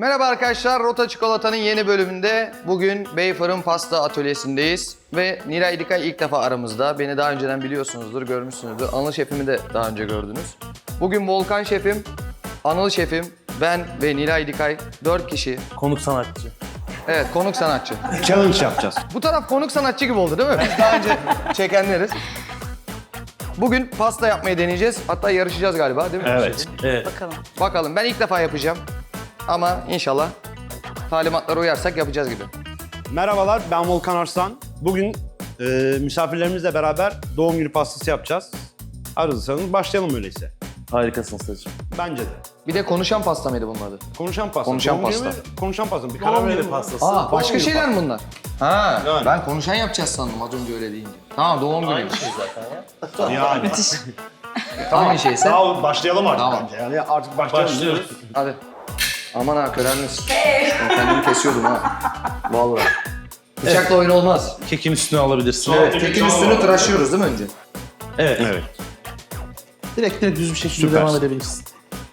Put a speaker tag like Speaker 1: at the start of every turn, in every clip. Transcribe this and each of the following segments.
Speaker 1: Merhaba arkadaşlar, Rota Çikolata'nın yeni bölümünde bugün Beyfırın Pasta Atölyesi'ndeyiz. Ve Nilay Dikay ilk defa aramızda. Beni daha önceden biliyorsunuzdur, görmüşsünüzdür. Anıl Şef'imi de daha önce gördünüz. Bugün Volkan Şef'im, Anıl Şef'im, ben ve Nilay Dikay 4 kişi.
Speaker 2: Konuk sanatçı.
Speaker 1: Evet, konuk sanatçı.
Speaker 3: Challenge yapacağız.
Speaker 1: Bu taraf konuk sanatçı gibi oldu değil mi? Biz daha önce çekenleriz. Bugün pasta yapmayı deneyeceğiz. Hatta yarışacağız galiba değil mi?
Speaker 3: Evet.
Speaker 2: Evet.
Speaker 4: Bakalım.
Speaker 1: Bakalım, ben ilk defa yapacağım. Ama inşallah talimatlara uyarsak yapacağız gibi.
Speaker 3: Merhabalar, ben Volkan Arslan. Bugün misafirlerimizle beraber doğum günü pastası yapacağız. Arızsanız başlayalım öyleyse.
Speaker 2: Harikasın Stacığım.
Speaker 3: Bence de.
Speaker 1: Bir de konuşan pasta mıydı bunun adı?
Speaker 3: Konuşan pasta.
Speaker 1: Konuşan
Speaker 3: Doğum günü
Speaker 1: pasta.
Speaker 3: mü? Konuşan pasta. Bir
Speaker 2: Doğum
Speaker 3: karar
Speaker 2: günü
Speaker 3: verelim.
Speaker 2: pastası.
Speaker 1: Aa, başka
Speaker 3: günü
Speaker 1: şeyler mi bunlar? Ha,
Speaker 3: Yani.
Speaker 1: ben konuşan yapacağız sandım az önce öyle deyince. Tamam, doğum günü.
Speaker 2: Aynı şey zaten ya.
Speaker 3: Yani.
Speaker 1: Aynı şeyse.
Speaker 3: Daha başlayalım artık
Speaker 1: Tamam.
Speaker 3: bence. Yani artık başlayalım.
Speaker 2: Başlıyoruz.
Speaker 1: Hadi. Aman ha, körelmiş. Ben kendimi kesiyordum ha. Vallahi. Bıçakla oyun olmaz.
Speaker 2: Kekin üstüne alabilirsin.
Speaker 1: Evet, kekin üstünü tıraşlıyoruz değil mi önce?
Speaker 2: Evet.
Speaker 3: Evet.
Speaker 2: Direkt düz bir şekilde
Speaker 3: Süpersin.
Speaker 2: devam edebilirsin.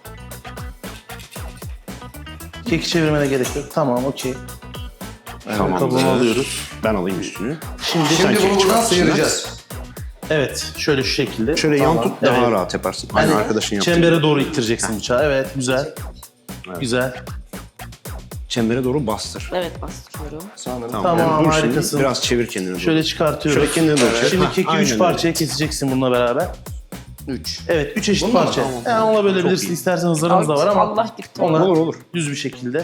Speaker 2: Keki çevirmene gerek yok. Tamam, okey.
Speaker 3: Tamam.
Speaker 2: Kabuğunu alıyoruz.
Speaker 3: Ben alayım üstünü.
Speaker 2: Şimdi,
Speaker 1: Şimdi bunu buradan
Speaker 3: çıkarsın.
Speaker 1: sıyıracağız.
Speaker 2: evet, şöyle şu şekilde.
Speaker 3: Şöyle yan tut daha
Speaker 2: Evet.
Speaker 3: rahat yaparsın. Aynı arkadaşın yaptığı.
Speaker 2: Çembere doğru ittireceksin bıçağı. Evet, güzel.
Speaker 3: Evet.
Speaker 2: Güzel.
Speaker 3: Çembere doğru bastır.
Speaker 4: Evet bastırıyorum.
Speaker 1: Sanırım.
Speaker 2: Tamam,
Speaker 3: yani dur şimdi,
Speaker 2: harikasın.
Speaker 3: Biraz çevir kendini doğru.
Speaker 2: Şöyle çıkartıyoruz.
Speaker 3: Şöyle kendine doğru çevir.
Speaker 2: Şimdi
Speaker 3: Hah,
Speaker 2: keki
Speaker 3: aynen
Speaker 2: 3
Speaker 3: öyle.
Speaker 2: parçaya keseceksin bununla beraber.
Speaker 1: 3.
Speaker 2: Evet, 3 eşit
Speaker 3: Bunlar mı?
Speaker 2: parça.
Speaker 3: Tamam.
Speaker 2: Yani ona
Speaker 3: Çok
Speaker 2: bölebilirsin.
Speaker 3: iyi.
Speaker 2: İstersen hızlarımız da var ama
Speaker 4: Allah gitti.
Speaker 2: onları
Speaker 3: Olur olur.
Speaker 2: düz bir şekilde.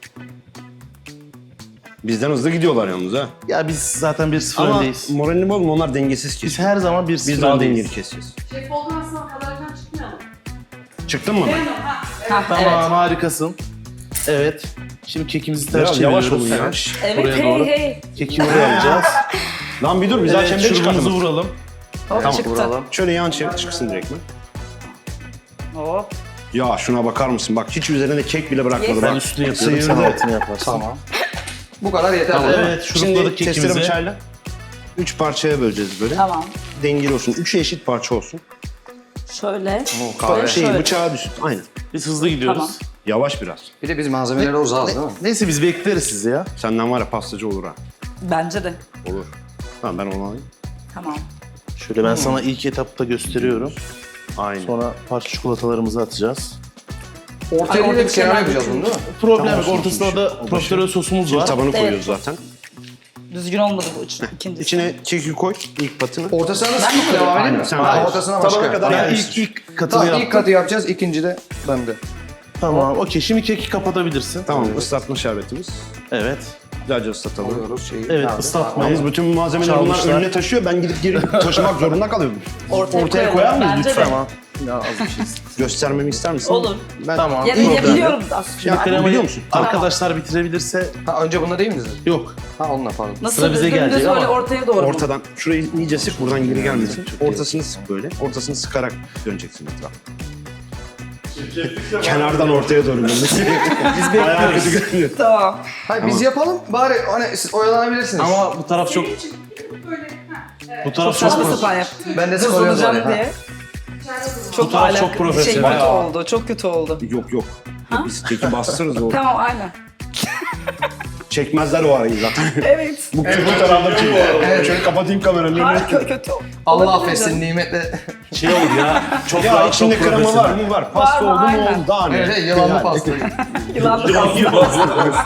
Speaker 3: Bizden hızlı gidiyorlar yalnız ha.
Speaker 2: Ya biz zaten 1-0
Speaker 3: Ama
Speaker 2: öndeyiz.
Speaker 3: moralini bozma, onlar dengesiz
Speaker 2: Biz
Speaker 3: kesiyor.
Speaker 2: her zaman 1-0
Speaker 3: Biz daha
Speaker 2: öndeyiz.
Speaker 3: dengeli keseceğiz.
Speaker 5: Şef olmazsa kadardan çıkmayalım.
Speaker 3: Çıktın mı?
Speaker 4: Ha,
Speaker 2: Tamam, harikasın. Evet. Şimdi kekimizi ters
Speaker 3: Biraz yavaş
Speaker 2: çeviriyoruz.
Speaker 3: olun ya.
Speaker 2: Evet.
Speaker 4: Evet,
Speaker 2: Buraya
Speaker 4: hey
Speaker 2: doğru.
Speaker 4: hey.
Speaker 2: Keki buraya alacağız.
Speaker 3: Lan bir dur, biz daha
Speaker 2: Evet,
Speaker 3: çemberi
Speaker 2: şurubumuzu
Speaker 3: çıkartalım.
Speaker 2: vuralım.
Speaker 4: Hop
Speaker 3: Tamam,
Speaker 4: çıktı.
Speaker 1: Vuralım.
Speaker 3: Şöyle yan çevir, çıksın direkt mi?
Speaker 4: Hop.
Speaker 3: Ya şuna bakar mısın? Bak hiç üzerine kek bile bırakmadı.
Speaker 4: Yes.
Speaker 2: Ben
Speaker 3: Bak.
Speaker 2: üstünü yapıyorum, sen
Speaker 3: Sıyırdı.
Speaker 2: altını yaparsın.
Speaker 1: Tamam. Bu kadar yeter. değil mi?
Speaker 2: Evet, şurupladık
Speaker 3: Şimdi testere
Speaker 2: kekimizi.
Speaker 3: bıçağıyla 3 parçaya böleceğiz böyle.
Speaker 4: Tamam.
Speaker 3: Dengeli olsun. 3'ü eşit parça olsun.
Speaker 4: Şöyle.
Speaker 1: kahve.
Speaker 4: Şöyle.
Speaker 3: Bıçağa düşsün. Aynen.
Speaker 2: Biz hızlı gidiyoruz.
Speaker 4: Tamam.
Speaker 3: Yavaş biraz.
Speaker 1: Bir de biz malzemeleri uzağız değil mi?
Speaker 2: Neyse biz bekleriz sizi ya.
Speaker 3: Senden var ya pastacı olur ha.
Speaker 4: Bence de.
Speaker 3: Olur. Tamam ben onu alayım.
Speaker 4: Tamam.
Speaker 2: Şöyle ben sana ilk etapta gösteriyorum.
Speaker 3: Aynen.
Speaker 2: Sonra parça çikolatalarımızı atacağız.
Speaker 1: Ortaya
Speaker 4: Ay,
Speaker 1: bir kenar
Speaker 4: orada
Speaker 1: yapacağız bunu değil mi?
Speaker 2: Problem
Speaker 3: Tamam,
Speaker 2: yok.
Speaker 3: olsun,
Speaker 2: Ortasında
Speaker 3: olsun.
Speaker 2: da profiterol sosumuz
Speaker 3: Şimdi
Speaker 2: var.
Speaker 3: tabanı
Speaker 4: Evet.
Speaker 3: koyuyoruz zaten.
Speaker 4: Düzgün olmadı bu ikincisi.
Speaker 3: İçine keki koy. İlk patını.
Speaker 1: Ortasına nasıl
Speaker 4: Ben mi
Speaker 1: devam edeyim mi?
Speaker 3: Sen
Speaker 1: Ha,
Speaker 3: hayır.
Speaker 1: ortasına
Speaker 3: Tabana
Speaker 1: başka.
Speaker 3: kadar
Speaker 1: Tamam.
Speaker 2: Yani
Speaker 3: yani
Speaker 2: ilk katını
Speaker 1: Tamam,
Speaker 2: yaptım.
Speaker 1: ilk katı yapacağız, ikinci de bende.
Speaker 2: Tamam, okey. Şimdi keki kapatabilirsin.
Speaker 3: Tamam, ıslatma şerbetimiz.
Speaker 2: Evet.
Speaker 3: Güzelce ıslatalım.
Speaker 1: Alıyoruz şeyi.
Speaker 2: Evet,
Speaker 1: Nerede?
Speaker 2: ıslatmayı.
Speaker 3: Yalnız bütün malzemeleri bunlar
Speaker 2: Çalmışlar.
Speaker 3: önüne taşıyor. Ben gidip geri taşımak zorunda kalıyorum.
Speaker 4: Ortaya
Speaker 3: koyar
Speaker 4: koyalım.
Speaker 3: mıyız
Speaker 4: Bence
Speaker 3: lütfen?
Speaker 4: de.
Speaker 2: Tamam. Ya az bir şey.
Speaker 3: Göstermemi ister misin?
Speaker 4: Olur.
Speaker 3: Ben...
Speaker 2: Tamam.
Speaker 4: Ya,
Speaker 2: Problem
Speaker 4: biliyorum
Speaker 2: yok.
Speaker 4: aslında.
Speaker 2: Şimdi kremayı
Speaker 3: biliyor musun?
Speaker 2: arkadaşlar bitirebilirse
Speaker 1: Ha, önce bunda değil mi dedin?
Speaker 2: yok.
Speaker 1: Ha, onunla pardon.
Speaker 4: Nasıl
Speaker 2: Sıra bize
Speaker 4: düzgün
Speaker 2: gelecek
Speaker 4: düz böyle
Speaker 2: ama
Speaker 4: ortaya doğru.
Speaker 3: Ortadan, şurayı iyice sık, buradan geri gelmesin. Ortasını sık böyle. Ortasını sıkarak döneceksin etrafa. Kenardan ortaya doğru dönmesi. Biz bekliyoruz. Kötü görünüyor.
Speaker 4: Tamam.
Speaker 1: Hayır, biz yapalım. Bari hani siz oyalanabilirsiniz.
Speaker 2: Ama bu taraf çok
Speaker 5: Böyle, ha, evet.
Speaker 2: bu taraf
Speaker 4: Saçma
Speaker 2: çok
Speaker 4: sapan yaptım.
Speaker 1: Ben de
Speaker 4: Düz
Speaker 1: sıkılıyorum
Speaker 4: olacağım
Speaker 1: oraya, ha.
Speaker 4: diye.
Speaker 5: İçeride durun.
Speaker 4: Çok
Speaker 2: taraf
Speaker 4: alak-
Speaker 2: çok profesyonel.
Speaker 4: kötü oldu. Çok kötü oldu.
Speaker 3: Yok yok. Ya biz keki bastırırız o.
Speaker 4: Tamam aynen.
Speaker 3: Çekmezler o arayı zaten.
Speaker 4: Evet.
Speaker 3: Bu kötü tarafta çekiyor. Evet. Şöyle kapatayım kameranı.
Speaker 4: Hayır kötü oldu.
Speaker 1: Allah
Speaker 4: Olabilir
Speaker 1: affetsin
Speaker 4: canım.
Speaker 1: nimetle.
Speaker 2: şey oldu ya. Çok
Speaker 3: Ya
Speaker 2: rahat,
Speaker 3: içinde
Speaker 2: çok
Speaker 3: krema var
Speaker 2: profesyonel.
Speaker 3: mı? Var. Pasta
Speaker 4: Var,
Speaker 3: oldu mu
Speaker 4: aynen.
Speaker 3: oldu. Daha ne?
Speaker 1: Evet, yılanlı
Speaker 3: Yani.
Speaker 1: pasta.
Speaker 4: Yılanlı pasta.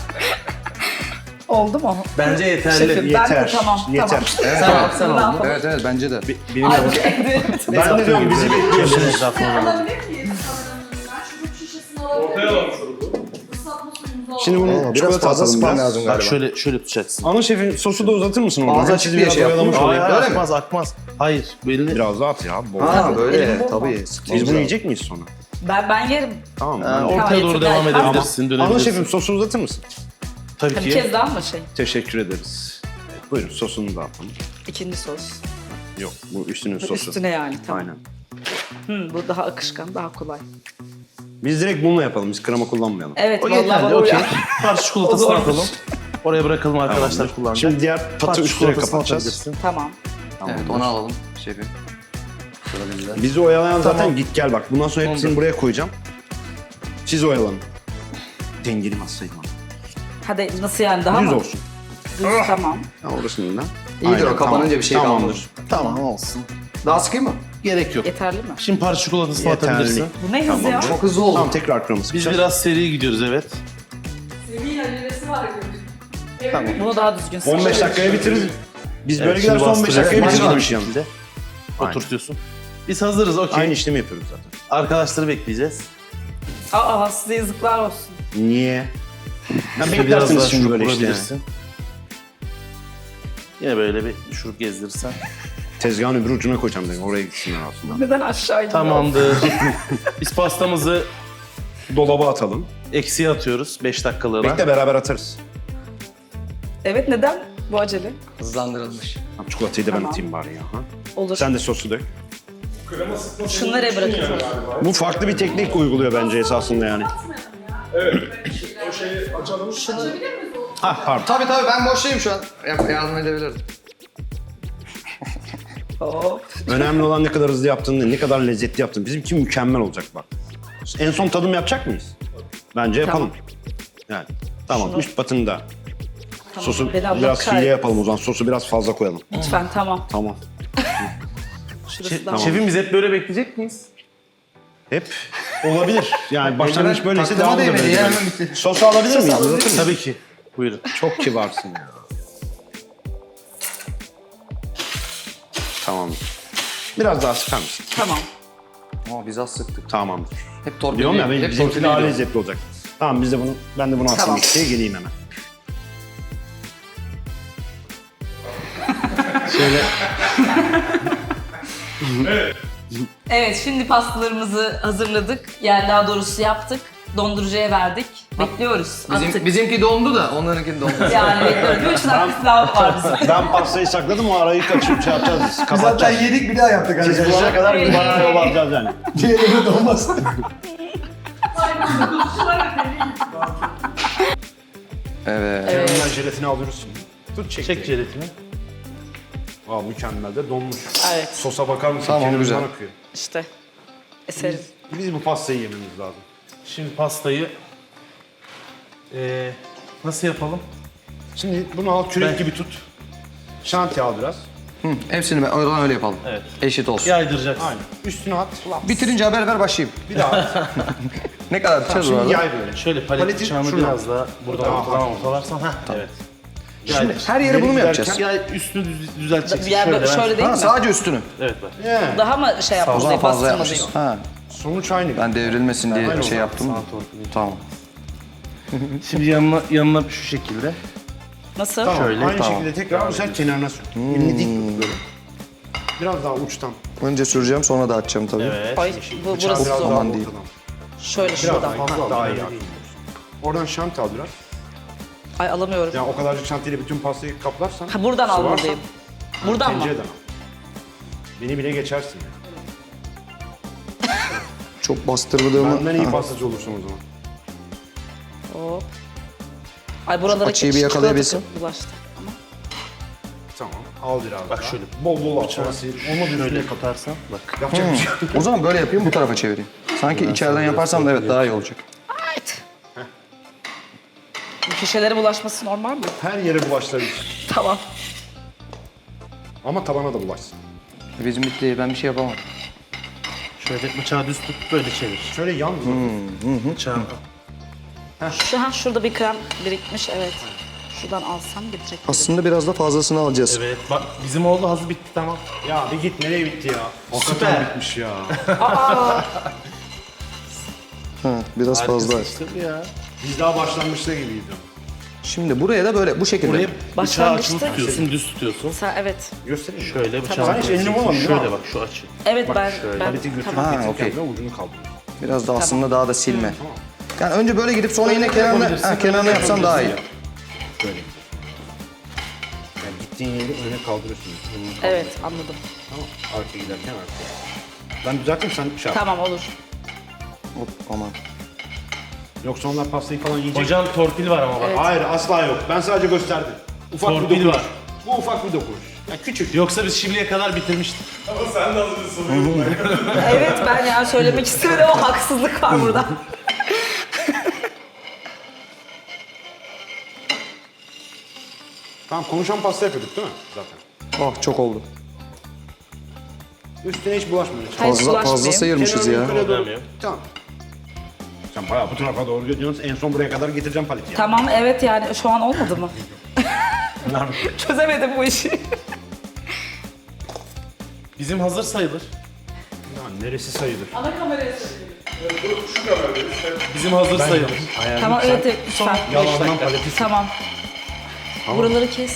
Speaker 4: Oldu mu?
Speaker 2: Bence yeterli.
Speaker 4: Şefim, ben de
Speaker 3: Yeter.
Speaker 4: tamam.
Speaker 3: Yeter.
Speaker 4: Tamam.
Speaker 1: Tamam,
Speaker 2: sen
Speaker 4: Yılan
Speaker 2: aldın.
Speaker 4: falan.
Speaker 1: Evet evet, bence de.
Speaker 3: Benim
Speaker 4: Ay,
Speaker 3: yavrum.
Speaker 4: evet.
Speaker 3: Ben de diyorum bizi bekliyorsunuz.
Speaker 5: Alabilir miyiz? Ben şurup şişesini alabilir miyim? Islatma suyumuzu alalım.
Speaker 3: Şimdi bunu
Speaker 1: Biraz
Speaker 3: çikolata
Speaker 1: fazla
Speaker 3: atalım
Speaker 1: spam
Speaker 3: biraz.
Speaker 1: lazım
Speaker 2: Bak
Speaker 1: galiba.
Speaker 2: şöyle tutacaksın.
Speaker 3: Ana şefim sosu da uzatır mısın onu?
Speaker 1: Ağzı açık diye şey
Speaker 3: oyalamış
Speaker 1: yaptım.
Speaker 3: olayım.
Speaker 2: Hayır,
Speaker 1: Öyle mi?
Speaker 2: akmaz akmaz. Hayır. Belli.
Speaker 3: Biraz daha at ya. Bol.
Speaker 1: Ha böyle
Speaker 4: Elim
Speaker 1: tabii.
Speaker 3: Biz bunu yiyecek miyiz sonra?
Speaker 4: Ben yerim.
Speaker 3: Tamam mı?
Speaker 2: Ha,
Speaker 3: Ben-
Speaker 2: ortaya
Speaker 4: Tamam,
Speaker 2: doğru
Speaker 4: yeter.
Speaker 2: devam
Speaker 4: Tamam.
Speaker 2: edebilirsin.
Speaker 3: Ana
Speaker 2: Dönebilirsin.
Speaker 3: şefim sosu uzatır mısın?
Speaker 2: Tabii
Speaker 4: Bir
Speaker 2: ki.
Speaker 4: kez daha mı şey?
Speaker 3: Teşekkür ederiz. Evet, buyurun sosunu da atalım.
Speaker 4: İkinci sos.
Speaker 3: Yok bu üstünün sosu.
Speaker 4: Üstüne yani tamam.
Speaker 3: Aynen.
Speaker 4: Bu daha akışkan, daha kolay.
Speaker 3: Biz direkt bununla yapalım. Biz krema kullanmayalım.
Speaker 4: Evet
Speaker 2: O
Speaker 4: vallahi
Speaker 2: yeterli.
Speaker 4: bana
Speaker 2: Okey.
Speaker 4: uyar.
Speaker 2: Parça çikolatasını
Speaker 4: O zormuş.
Speaker 2: atalım. Oraya bırakalım arkadaşlar
Speaker 3: Tamamdır.
Speaker 2: kullanacak.
Speaker 3: Şimdi diğer patı
Speaker 2: Parça
Speaker 3: üstüne
Speaker 2: çikolatasını
Speaker 3: kapatacağız.
Speaker 2: atabilirsin.
Speaker 4: Tamam.
Speaker 1: Evet, onu alalım şefim. Sıra bizde.
Speaker 3: Bizi oyalayan zaten
Speaker 2: Tamam.
Speaker 3: git gel bak. Bundan sonra hepsini
Speaker 1: Oldu.
Speaker 3: buraya koyacağım. Siz oyalanın. Dengeli masayım ama.
Speaker 4: Hadi nasıl yani daha
Speaker 3: Düz
Speaker 4: mı?
Speaker 3: olsun.
Speaker 4: Düz tamam.
Speaker 3: Ha, orasının da.
Speaker 1: İyidir o, kapanınca bir şey
Speaker 3: Tamamdır.
Speaker 1: kalmaz.
Speaker 2: Tamam olsun.
Speaker 1: Daha sıkayım mı?
Speaker 2: Gerek yok.
Speaker 4: Yeterli mi?
Speaker 2: Şimdi parça çikolatasını
Speaker 3: Yeterli.
Speaker 2: atabilirsin.
Speaker 4: Bu ne hız ya?
Speaker 1: Çok hızlı oldu.
Speaker 3: Tamam tekrar kırmızı
Speaker 2: Biz
Speaker 3: sıkacağız.
Speaker 2: biraz seri gidiyoruz evet.
Speaker 5: Semih'in acelesi var gibi. Evet.
Speaker 1: Tamam.
Speaker 4: Bunu daha düzgün sık.
Speaker 3: 15 dakikaya bitiririz. Biz böyle
Speaker 2: Evet,
Speaker 3: giderse
Speaker 2: şimdi
Speaker 3: 15 dakikaya
Speaker 2: bastıracağız.
Speaker 3: bitiririz
Speaker 2: Başla.
Speaker 3: bir şey yanında.
Speaker 2: Şekilde
Speaker 3: Aynen.
Speaker 2: oturtuyorsun. Biz hazırız okey.
Speaker 3: Aynı işlemi yapıyoruz zaten.
Speaker 2: Arkadaşları bekleyeceğiz.
Speaker 4: Aa size yazıklar olsun.
Speaker 3: Niye? Ya
Speaker 2: İşte biraz
Speaker 3: beklersiniz
Speaker 2: daha
Speaker 3: şimdi
Speaker 2: şurup
Speaker 3: böyle işte.
Speaker 2: vurabilirsin. Yine böyle bir şurup gezdirirsen.
Speaker 3: Tezgahın öbür ucuna koyacağım dedim. Oraya gitsinler aslında.
Speaker 4: Neden aşağı iniyor?
Speaker 2: Tamamdır. Biz pastamızı
Speaker 3: Dolaba atalım.
Speaker 2: eksiye atıyoruz 5 dakikalığına.
Speaker 3: Bekle beraber atarız.
Speaker 4: Evet neden bu acele?
Speaker 1: Hızlandırılmış.
Speaker 3: Tamam, çikolatayı da ben
Speaker 4: Tamam.
Speaker 3: atayım bari ya. Ha?
Speaker 4: Olur.
Speaker 3: Sen de sosu dök.
Speaker 4: Şunu nereye bırakıyorsun?
Speaker 3: Bu farklı bir teknik uyguluyor bence esasında yani. Ha pardon.
Speaker 1: Tabii ben boştayım şu an. Yardım edebilirim.
Speaker 4: Hop.
Speaker 3: Önemli olan ne kadar hızlı yaptığın değil, ne kadar lezzetli yaptığın. Bizimki mükemmel olacak bak. En son tadım yapacak mıyız? Bence yapalım. Yani tamam
Speaker 4: Şunu-
Speaker 3: üst batını da.
Speaker 4: Tamam.
Speaker 3: Sosu
Speaker 4: Beni Allah
Speaker 3: biraz hile
Speaker 4: kahretsin.
Speaker 3: yapalım o zaman. Sosu biraz fazla koyalım.
Speaker 4: Lütfen tamam.
Speaker 3: Tamam.
Speaker 4: Şurası da.
Speaker 2: Şefim biz hep böyle bekleyecek miyiz?
Speaker 3: Hep olabilir. Yani başlangıç böyleyse
Speaker 1: Taktıma
Speaker 3: devam
Speaker 1: değmedi
Speaker 3: edelim.
Speaker 1: ya, hemen bitti.
Speaker 3: Sosu alabilir miyiz? Uzatır mısın?
Speaker 2: Tabii ki. Buyurun.
Speaker 3: Çok kibarsın ya. Tamam. Biraz daha sıkar mısın?
Speaker 4: Tamam.
Speaker 1: Ama biz az sıktık.
Speaker 3: Tamamdır.
Speaker 1: Hep torpil.
Speaker 3: Diyorum ya
Speaker 1: hep
Speaker 3: bizimki
Speaker 1: torpil
Speaker 3: daha
Speaker 1: ediyor.
Speaker 3: lezzetli olacak. Tamam biz de bunu, ben de bunu atayım
Speaker 4: Tamam.
Speaker 3: mikseye geleyim hemen.
Speaker 4: Evet şimdi pastalarımızı hazırladık. Yani daha doğrusu yaptık. Dondurucuya verdik. Bekliyoruz. Attık.
Speaker 1: Bizimki dondu da onlarınki dondu.
Speaker 4: Yani bekliyoruz. 3 dakika daha var bizim.
Speaker 3: Ben pastayı sakladım o arayı kaçırıp şey yapacağız.
Speaker 1: Zaten
Speaker 3: Kapatacağız.
Speaker 1: yedik bir daha yaptık.
Speaker 3: Siz bulana kadar biz bana yol alacağız yani.
Speaker 1: Diğerine donmaz. Evet.
Speaker 4: Evet.
Speaker 3: Ben jelatini alıyoruz şimdi. Tut çek.
Speaker 2: Çek jelatini.
Speaker 3: Aa, mükemmel de donmuş.
Speaker 4: Evet.
Speaker 3: Sosa bakar mısın?
Speaker 1: Tamam,
Speaker 3: Kenarından
Speaker 1: güzel.
Speaker 3: akıyor.
Speaker 4: İşte. Eserim.
Speaker 3: Biz bu pastayı yememiz lazım.
Speaker 2: Şimdi pastayı nasıl yapalım?
Speaker 3: Şimdi bunu al kürek gibi tut. Şanti al biraz.
Speaker 1: Hepsini oradan öyle yapalım.
Speaker 2: Evet.
Speaker 1: Eşit olsun.
Speaker 2: Yaydıracaksın.
Speaker 3: Aynen. Üstüne at.
Speaker 1: Bitirince haber ver başlayayım.
Speaker 3: Bir daha at.
Speaker 1: Ne kadar biteceğiz bu
Speaker 3: Şimdi
Speaker 1: arada?
Speaker 3: yay böyle.
Speaker 2: Şöyle palet
Speaker 3: Paleti
Speaker 2: bıçağını
Speaker 3: şuradan.
Speaker 2: biraz daha buradan
Speaker 3: Tamam,
Speaker 2: ortadan
Speaker 3: tamam.
Speaker 2: ortalarsan. Heh, evet.
Speaker 1: Şimdi her yere bunu mu yapacağız?
Speaker 2: Yay üstünü düzelteceksin.
Speaker 4: Yani
Speaker 2: şöyle,
Speaker 4: şöyle değil
Speaker 1: Ha,
Speaker 4: mi?
Speaker 1: sadece üstünü.
Speaker 2: Evet bak.
Speaker 3: Yeah.
Speaker 4: Daha mı şey
Speaker 1: O
Speaker 4: yapmamız
Speaker 1: zaman
Speaker 4: diye
Speaker 1: fazla
Speaker 4: bastırma
Speaker 1: yapmışız.
Speaker 4: diyor.
Speaker 1: Ha,
Speaker 3: Sonuç aynı.
Speaker 1: ben devrilmesin diye
Speaker 3: Aynen o
Speaker 1: şey
Speaker 3: zaman.
Speaker 1: yaptım.
Speaker 2: Sağ torpili.
Speaker 1: Tamam.
Speaker 2: Şimdi yanına şu şekilde.
Speaker 4: Nasıl?
Speaker 3: Tamam.
Speaker 2: Şöyle,
Speaker 3: aynı
Speaker 1: tamam.
Speaker 3: şekilde tekrar bu sefer kenarına sür. Elini dik tut böyle. Biraz daha uçtan.
Speaker 1: Önce süreceğim sonra da açacağım tabii.
Speaker 2: Evet.
Speaker 4: Ay, bu,
Speaker 3: Bıçağı
Speaker 4: burası
Speaker 3: biraz
Speaker 4: zor.
Speaker 3: daha
Speaker 1: Aman değil.
Speaker 3: ortadan.
Speaker 4: Şöyle
Speaker 3: Biraz
Speaker 4: şuradan.
Speaker 3: daha iyi. Oradan şanti al biraz.
Speaker 4: Ay alamıyorum.
Speaker 3: Yani o kadarcık şantiyle bütün pastayı kaplarsan.
Speaker 4: Ha, buradan
Speaker 3: sıvarsan,
Speaker 4: almalıyım. Buradan mı?
Speaker 3: tencereden al. Beni bile geçersin.
Speaker 1: Çok bastırdığımı...
Speaker 3: Benden iyi
Speaker 1: Ha.
Speaker 3: pastacı olursun o zaman.
Speaker 4: Hop. Ay buralara
Speaker 1: Açıyı bir
Speaker 4: çikolata
Speaker 1: yakalayabilsem.
Speaker 4: bulaştı. Ama
Speaker 3: Tamam. Al biraz
Speaker 2: Bak
Speaker 3: daha.
Speaker 2: şöyle.
Speaker 3: Bol bol al. Sonra sil. Olmadı
Speaker 2: Şöyle
Speaker 3: üstüne
Speaker 2: kaparsan bak.
Speaker 3: yapacak bir şey yok.
Speaker 1: O zaman böyle yapayım bu tarafa çevireyim. Sanki içeriden yaparsam da evet daha iyi olacak.
Speaker 4: evet. Bu köşelere bulaşması normal mi?
Speaker 3: Her yere bulaştırabilir.
Speaker 4: Tamam.
Speaker 3: Ama tabana da bulaşsın.
Speaker 1: Bizim bitti ben bir şey yapamam.
Speaker 2: Şöyle bıçağı düz tut böyle çevir.
Speaker 3: Şöyle yan
Speaker 2: Bıçağı.
Speaker 4: Şurada bir krem birikmiş evet. Şuradan alsam gidecek.
Speaker 1: Aslında biraz da fazlasını alacağız.
Speaker 2: Evet bak bizim oldu hazır bitti tamam.
Speaker 3: Ya bir git nereye bitti ya? Hakikaten
Speaker 2: Süper.
Speaker 3: bitmiş ya.
Speaker 1: Ha, biraz fazla.
Speaker 2: Harikasın işte bu ya.
Speaker 3: Biz daha başlangıçta gibiydi.
Speaker 1: Şimdi buraya da böyle bu şekilde.
Speaker 2: Buraya bıçağı
Speaker 4: Başlangıçta-
Speaker 2: açılı tutuyorsun düz tutuyorsun.
Speaker 4: Sen evet.
Speaker 3: Göstereyim mi?
Speaker 2: Şöyle bıçağı
Speaker 3: Sen hiç elini vurmadın değil mi
Speaker 2: Şöyle
Speaker 3: abi?
Speaker 2: bak şu açı.
Speaker 4: Evet ben
Speaker 3: Paleti götürüp
Speaker 4: tamam.
Speaker 1: Ha,
Speaker 3: getirirken
Speaker 1: okey.
Speaker 3: de ucunu kaldırıyorsun.
Speaker 1: Biraz da aslında daha da silme. Yani önce böyle gidip sonra yine kenarına yapsam daha iyi.
Speaker 3: Böyle. Yani gittiğin yeri öne kaldırıyorsun.
Speaker 4: Evet anladım.
Speaker 3: Tamam. Arkaya giderken arkaya. Ben düzelteyim sen şey yap.
Speaker 4: Tamam olur.
Speaker 1: Hop aman.
Speaker 3: Yoksa onlar pastayı falan yiyecek.
Speaker 2: Hocam torpil var ama bak.
Speaker 4: Evet.
Speaker 3: Hayır asla yok. Ben sadece gösterdim. Ufak bir
Speaker 2: Torpil
Speaker 3: dokunuş.
Speaker 2: var.
Speaker 3: Bu ufak bir dokunuş. Ya küçük.
Speaker 2: Yoksa biz şimdiye kadar bitirmiştik.
Speaker 4: Evet ben ya söylemek istemedim ama haksızlık var burada.
Speaker 3: Tamam, konuşan pasta yapıyorduk değil mi zaten?
Speaker 1: Oh çok oldu.
Speaker 3: Üstüne hiç bulaşmıyor.
Speaker 4: Hayır,
Speaker 1: Fazla
Speaker 4: bulaşmayayım.
Speaker 1: sıyırmışız ya.
Speaker 3: Kenarına yukarıya doğru. Tamam. Sen bayağı bu tarafa doğru gidiyorsun. En son buraya kadar getireceğim paleti yani.
Speaker 4: Tamam evet yani şu an olmadı mı? Çözemedim bu işi.
Speaker 2: Bizim hazır sayılır.
Speaker 3: Ya neresi sayılır?
Speaker 5: Ana kameraya söylüyorum.
Speaker 2: Bizim hazır sayılır.
Speaker 4: Tamam evet evet, lütfen.
Speaker 3: Yalandan paleti.
Speaker 4: Tamam. Buraları kes.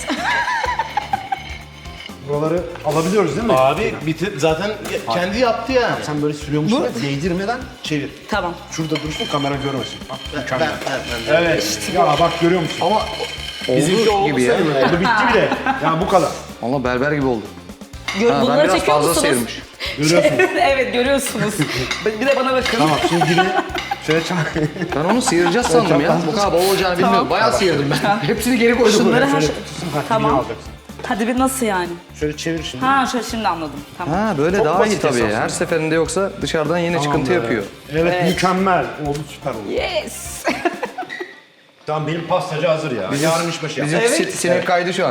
Speaker 3: Buraları alabiliyoruz değil mi?
Speaker 2: Abi bitir zaten kendi yaptı yani.
Speaker 3: Sen böyle sürüyormuşsun ya, değdirmeden çevir.
Speaker 4: Tamam.
Speaker 3: Şurada dursun, kamera görmesin. Bak, mükemmel. Evet. Ya bak görüyor musun?
Speaker 1: Ama
Speaker 2: Bizimki
Speaker 1: oldu
Speaker 2: oldu
Speaker 1: gibi ya.
Speaker 2: sayılır.
Speaker 3: Bu bitti bile. Ya bu kadar.
Speaker 1: Ama berber gibi oldu. Ha, ben
Speaker 4: Bunları
Speaker 1: biraz
Speaker 4: çekiyor
Speaker 1: fazla
Speaker 4: musunuz?
Speaker 1: sıyırmış.
Speaker 3: Görüyorsun.
Speaker 4: Evet görüyorsunuz. Bir de bana bakın.
Speaker 3: Tamam, şimdi dibine şöyle çak.
Speaker 1: Ben onu sıyıracağız sandım ya. Bu kadar bol olacağını bilmiyordum. Bayağı sıyırdım ben. Hepsini geri koydum
Speaker 4: Şunları
Speaker 1: buraya.
Speaker 4: her şey...
Speaker 3: Dibine
Speaker 4: Tamam.
Speaker 3: alacaksın.
Speaker 4: Hadi bir nasıl yani?
Speaker 3: Şöyle çevir şimdi.
Speaker 4: Ha şöyle şimdi anladım. Tamam.
Speaker 1: Ha böyle
Speaker 3: Çok
Speaker 1: daha iyi
Speaker 3: basit
Speaker 1: tabii.
Speaker 3: esasında.
Speaker 1: Her seferinde yoksa dışarıdan yine çıkıntı yapıyor.
Speaker 3: Evet,
Speaker 4: Evet.
Speaker 3: mükemmel. Oldu, süper oldu.
Speaker 4: Yes.
Speaker 3: Tamam, benim pastacı hazır ya. Yarın işbaşı yap.
Speaker 1: Bizim sinek kaydı şu an.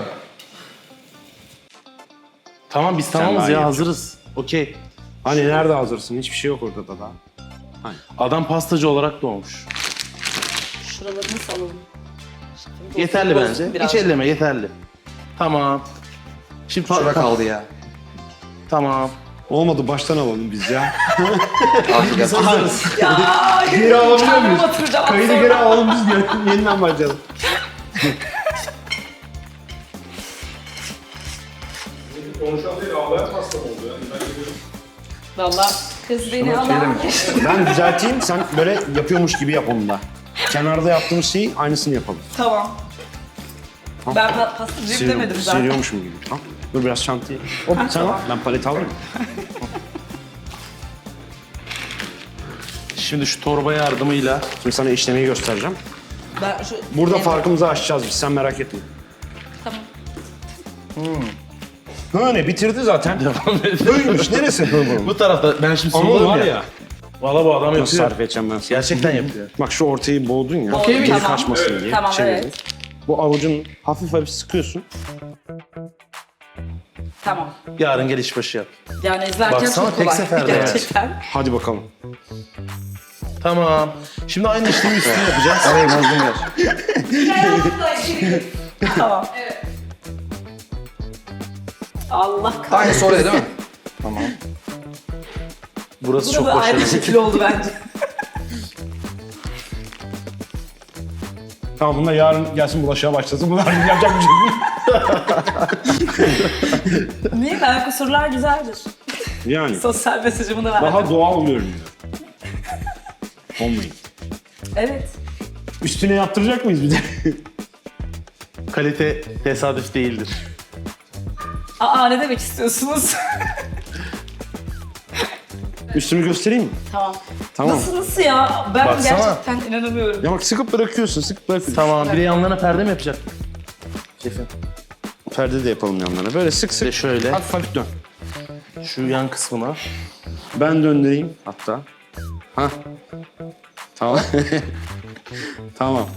Speaker 2: Tamam biz
Speaker 3: daha
Speaker 2: tamamız
Speaker 3: iyi
Speaker 2: ya
Speaker 3: yapacaksın.
Speaker 2: hazırız. Okey.
Speaker 3: Hani nerede hazırsın? Hiçbir şey yok orada da daha.
Speaker 2: Adam pastacı olarak doğmuş.
Speaker 4: Şuralarını salalım.
Speaker 2: Yeterli
Speaker 4: Bozsun
Speaker 2: bence.
Speaker 4: biraz.
Speaker 2: Hiç elleme yeterli. Tamam. Şimdi
Speaker 1: Şura kaldı ya.
Speaker 2: Tamam.
Speaker 3: Olmadı, baştan alalım biz ya.
Speaker 1: Artık
Speaker 2: Biz hazırız.
Speaker 4: Ya
Speaker 3: Geri alabiliyor
Speaker 4: kendimi
Speaker 3: muyuz?
Speaker 4: batıracağım
Speaker 3: Kaydı
Speaker 4: sonra.
Speaker 3: geri alalım biz yeniden başlayalım.
Speaker 4: Valla kız beni alan.
Speaker 3: Ben düzelteyim, sen böyle yapıyormuş gibi yap onu da. Kenarda yaptığımız şeyi aynısını yapalım.
Speaker 4: Tamam. Ben pastacıyım demedim zaten.
Speaker 3: Sıyırıyormuşum gibi. Tamam. Dur biraz şantiye. Hop sen al, ben paleti alırım.
Speaker 2: Şimdi şu torba yardımıyla
Speaker 3: Şimdi sana işlemeyi göstereceğim.
Speaker 4: Ben şu...
Speaker 3: Burada
Speaker 4: Evet.
Speaker 3: farkımızı aşacağız biz, sen merak etme.
Speaker 4: Tamam.
Speaker 3: Ha ne, bitirdi zaten.
Speaker 2: devam edelim.
Speaker 3: Böyleymiş, neresi bu?
Speaker 2: Bu tarafta ben şimdi
Speaker 3: Ama
Speaker 2: soruyorum
Speaker 3: var
Speaker 2: ya.
Speaker 3: ya.
Speaker 2: Valla bu adam
Speaker 3: Nasıl
Speaker 2: yapıyor.
Speaker 3: sarf edeceğim ben sana?
Speaker 2: Gerçekten yapıyor.
Speaker 3: Bak şu ortayı boğdun ya.
Speaker 4: Boğdum,
Speaker 3: Geri
Speaker 4: tamam.
Speaker 3: kaçmasın diye.
Speaker 4: Tamam,
Speaker 3: çevirdin.
Speaker 4: evet.
Speaker 3: Bu avucun hafif hafif sıkıyorsun.
Speaker 4: Tamam.
Speaker 2: Yarın gel işbaşı yap.
Speaker 4: Yani izlerken
Speaker 2: Baksana,
Speaker 4: çok
Speaker 2: tek
Speaker 4: kolay.
Speaker 2: seferde yani.
Speaker 4: Gerçekten.
Speaker 3: Hadi bakalım.
Speaker 2: Tamam. Şimdi aynı işlemi üstüne yapacağız.
Speaker 1: Arayı bozdum ya.
Speaker 4: Tamam. Evet. Allah kahretsin.
Speaker 1: Aynısı oraya değil mi? Tamam.
Speaker 2: Burası
Speaker 4: Bu
Speaker 2: çok
Speaker 4: da ayrı bir
Speaker 2: başarılı.
Speaker 4: şekil oldu bence.
Speaker 3: Tamam, bunlar yarın gelsin bulaşığa başlasın. Bunlar yapacak bir şey değil.
Speaker 4: Niye? Ben kusurlar güzeldir.
Speaker 3: Yani
Speaker 4: Sosyal mesajımı da verdim.
Speaker 3: daha doğal görünüyor. Olmayın.
Speaker 4: Evet.
Speaker 3: Üstüne yaptıracak mıyız bir de?
Speaker 2: Kalite tesadüf değildir.
Speaker 4: Aa ne demek istiyorsunuz?
Speaker 3: Üstünü göstereyim mi?
Speaker 4: Tamam.
Speaker 3: Tamam.
Speaker 4: Nasıl ya? Ben
Speaker 2: Baksana.
Speaker 4: gerçekten inanamıyorum.
Speaker 3: Ya bak, sıkıp bırakıyorsun, sıkıp bırakıyorsun.
Speaker 2: Tamam. Bir de yanlarına perde mi yapacak? Şefim.
Speaker 3: Perde de yapalım yanlarına. Böyle sık
Speaker 2: Bir de
Speaker 3: sık.
Speaker 2: şöyle.
Speaker 3: Hafif hafif dön.
Speaker 2: Şu yan kısmına.
Speaker 3: Ben döndüreyim hatta. Ha. Tamam. Tamam.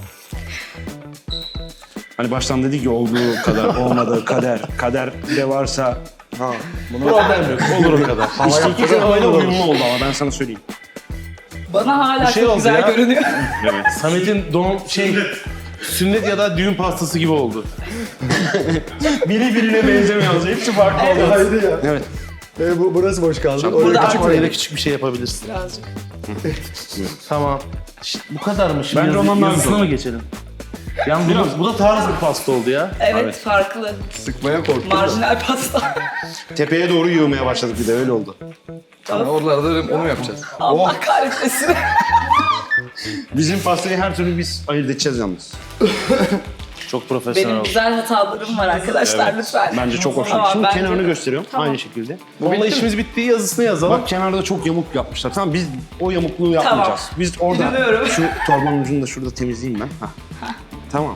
Speaker 3: Hani baştan dedik ya, olduğu kadar olmadığı kader. Kader de varsa
Speaker 2: Problem yok. Olur o kadar.
Speaker 3: işte iki havayla uyumlu oldu ama ben sana söyleyeyim.
Speaker 4: Bana hala
Speaker 2: Bir şey
Speaker 4: çok
Speaker 2: oldu
Speaker 4: güzel
Speaker 2: ya.
Speaker 4: görünüyor.
Speaker 3: Evet.
Speaker 2: Samet'in doğum sünnet ya da düğün pastası gibi oldu.
Speaker 3: Biri birine benzemiyor. Hepsi farklı oldu. Haydi ya. Evet.
Speaker 1: Burası boş kaldı.
Speaker 2: Burada küçük oraya da küçük bir şey yapabilirsin.
Speaker 4: Birazcık.
Speaker 2: Tamam. Bu kadar mı? Şimdi
Speaker 3: Bence ondan daha
Speaker 2: yazısına
Speaker 3: güzel.
Speaker 2: mı geçelim? Yani bu da tarz bir pasta oldu ya.
Speaker 4: Evet, farklı.
Speaker 1: Sıkmaya korktum.
Speaker 4: Marjinal pasta.
Speaker 3: Tepeye doğru yığmaya başladık bir de, öyle oldu.
Speaker 1: Tamam. Oralarda onu mu yapacağız?
Speaker 4: Allah kahretmesin.
Speaker 3: Bizim pastayı her türlü biz ayırt edeceğiz yalnız.
Speaker 2: Çok profesyonel
Speaker 4: Benim
Speaker 2: oldu.
Speaker 4: güzel hatalarım var arkadaşlar lütfen.
Speaker 3: Bence çok hoş.
Speaker 4: Tamam,
Speaker 3: Şimdi
Speaker 4: bence-
Speaker 3: kenarını gösteriyorum.
Speaker 4: Tamam.
Speaker 3: Aynı şekilde.
Speaker 2: Onunla işimiz bittiği yazısını yazalım.
Speaker 3: Bak, kenarda çok yamuk yapmışlar. Tamam, biz o yamukluğu yapmayacağız. Biz orada
Speaker 4: İnanıyorum.
Speaker 3: şu torbanın ucunu da şurada temizleyeyim ben. Hah. Tamam.